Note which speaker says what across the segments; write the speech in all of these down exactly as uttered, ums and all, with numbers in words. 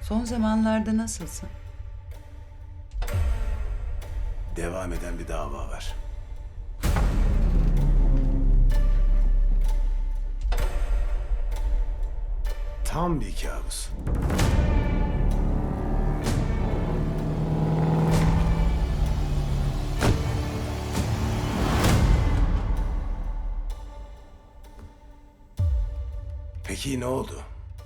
Speaker 1: Son zamanlarda nasılsın?
Speaker 2: Devam eden bir dava var. Tam bir kabus. Peki ne oldu?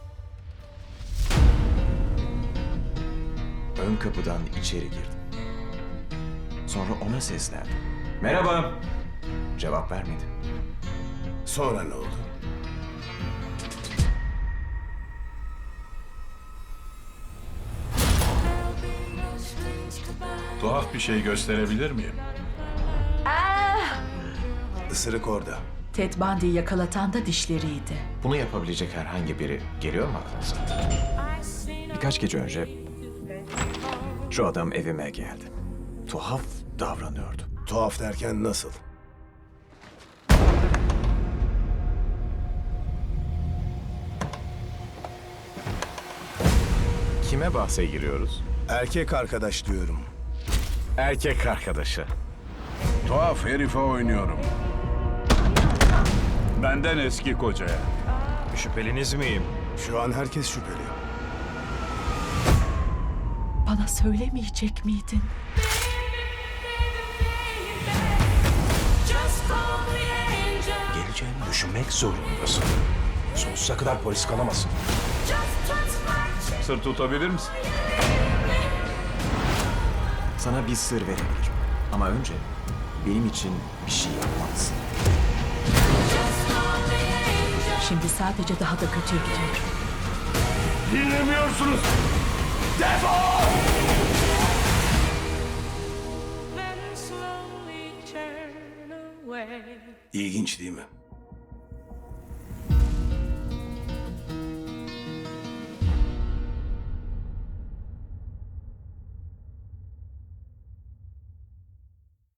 Speaker 3: Ön kapıdan içeri girdim. Sonra ona seslendim. Merhaba. Cevap vermedi.
Speaker 2: Sonra ne oldu?
Speaker 4: Tuhaf bir şey gösterebilir miyim?
Speaker 2: Isırık orada.
Speaker 5: Ted Bundy'yi yakalatan da dişleriydi.
Speaker 3: Bunu yapabilecek herhangi biri geliyor mu aklınıza? Birkaç gece önce şu adam evime geldi. Tuhaf davranıyordu.
Speaker 2: Tuhaf derken nasıl?
Speaker 3: Kime bahse giriyoruz?
Speaker 2: Erkek arkadaş diyorum.
Speaker 3: Erkek arkadaşı.
Speaker 4: Tuhaf herife oynuyorum. Benden eski kocaya.
Speaker 3: Şüpheliniz miyim?
Speaker 2: Şu an herkes şüpheli.
Speaker 5: Bana söylemeyecek miydin?
Speaker 6: Geleceğini düşünmek zorundasın. Sonsuza kadar polis kalamasın.
Speaker 4: Sır tutabilir misin?
Speaker 3: Sana bir sır verebilirim. Ama önce benim için bir şey yapmalısın.
Speaker 5: Şimdi sadece daha da kötüye gidiyor.
Speaker 4: Dinlemiyorsunuz.
Speaker 2: İlginç değil mi?